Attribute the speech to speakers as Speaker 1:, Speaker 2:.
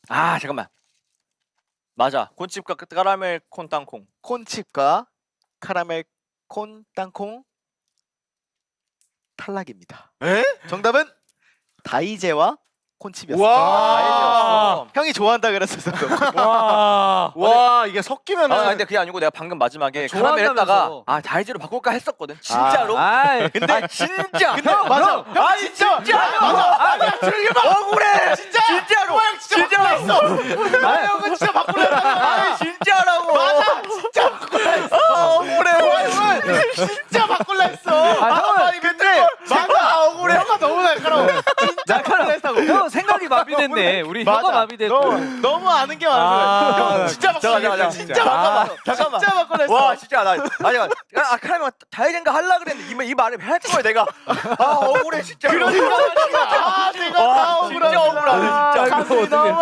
Speaker 1: 아 잠깐만. 맞아. 콘칩과 카라멜 콘 땅콩.
Speaker 2: 콘칩과 카라멜 콘 땅콩 탈락입니다.
Speaker 1: 에?
Speaker 2: 정답은 다이제와 콘칩이었어요.
Speaker 1: 와.
Speaker 2: 형이 좋아한다 그랬었어.
Speaker 3: 와 이게 섞이면은
Speaker 1: 아 근데 그게 아니고 내가 방금 마지막에 카라멜 했다가
Speaker 4: 좋아한다면서.
Speaker 1: 아 다이제로 바꿀까 했었거든. 진짜로.
Speaker 4: 아이,
Speaker 1: 근데 진짜.
Speaker 2: 근데 맞아. 형
Speaker 1: 아니 진짜. 맞아. 억울해. 진짜로. 진짜.
Speaker 2: 아 형은 진짜 바꾸려 했다가
Speaker 1: 아니 진짜라고.
Speaker 2: 맞아. 진짜 바꾸려 했어.
Speaker 1: 억울해.
Speaker 2: 진짜 바꾸려 했어.
Speaker 4: 형은
Speaker 2: 근데 맞아. 억울해. 형아 너무 날카로워. 진짜 바꾸려 했다고.
Speaker 4: 형 생각이 마비됐네. 우리 혀가 마비됐고.
Speaker 2: 너무 아는 게 많아. 형 진짜 바꾸려
Speaker 1: 잠깐만,
Speaker 2: 했어. 진짜 바꿔봐.
Speaker 1: 잠깐만.
Speaker 2: 진짜 바꾸려 했어.
Speaker 1: 와 진짜 나 아니 아 카라멜 다이젠가 하려 그랬는데 이 말을 했던 거야 내가. 아 억울해 진짜.
Speaker 2: 그러니까 말이야. 아 내가 다 억울하다.
Speaker 1: 진짜 억울하네 진짜.
Speaker 4: 이거 어떻게